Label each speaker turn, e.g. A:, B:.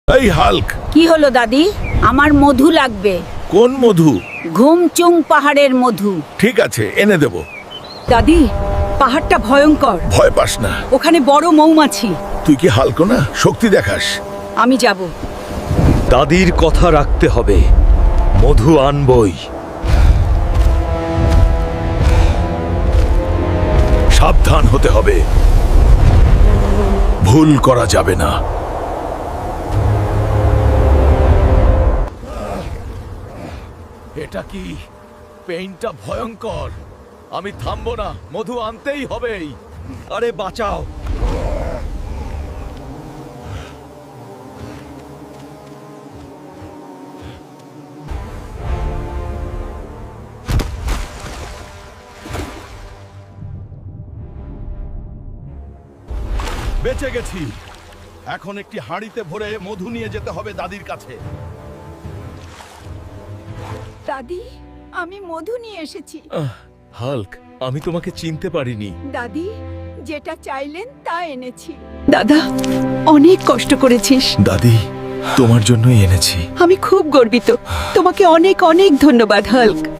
A: এই হাল্ক,
B: কি হলো দাদি? আমার মধু লাগবে।
A: কোন মধু?
B: ঘুমচুং পাহাড়ের মধু।
A: ঠিক আছে, এনে দেব।
B: দাদি, পাহাড়টা ভয়ঙ্কর।
A: ভয় পাস না।
B: ওখানে বড় মৌমাছি।
A: তুই কি হাল্ক না? শক্তি দেখাস।
B: আমি যাব।
C: দাদির কথা রাখতে হবে। মধু আনবই।
A: সাবধান হতে হবে, ভুল করা যাবে না। এটা কি? পেইনটা ভয়ঙ্কর। আমি থামবো না, মধু আনতেই হবেই।
C: আরে বাঁচাও।
A: বেঁচে গেছি। এখন একটি হাঁড়িতে ভরে মধু নিয়ে যেতে হবে দাদির কাছে।
B: দাদি, আমি মধু নিয়ে এসেছি।
A: হাল্ক, আমি তোমাকে চিনতে পারিনি।
B: দাদি, যেটা চাইলেন তা এনেছি। দাদা, অনেক কষ্ট করেছিস।
A: দাদি, তোমার জন্যই এনেছি।
B: আমি খুব গর্বিত। তোমাকে অনেক অনেক ধন্যবাদ হাল্ক।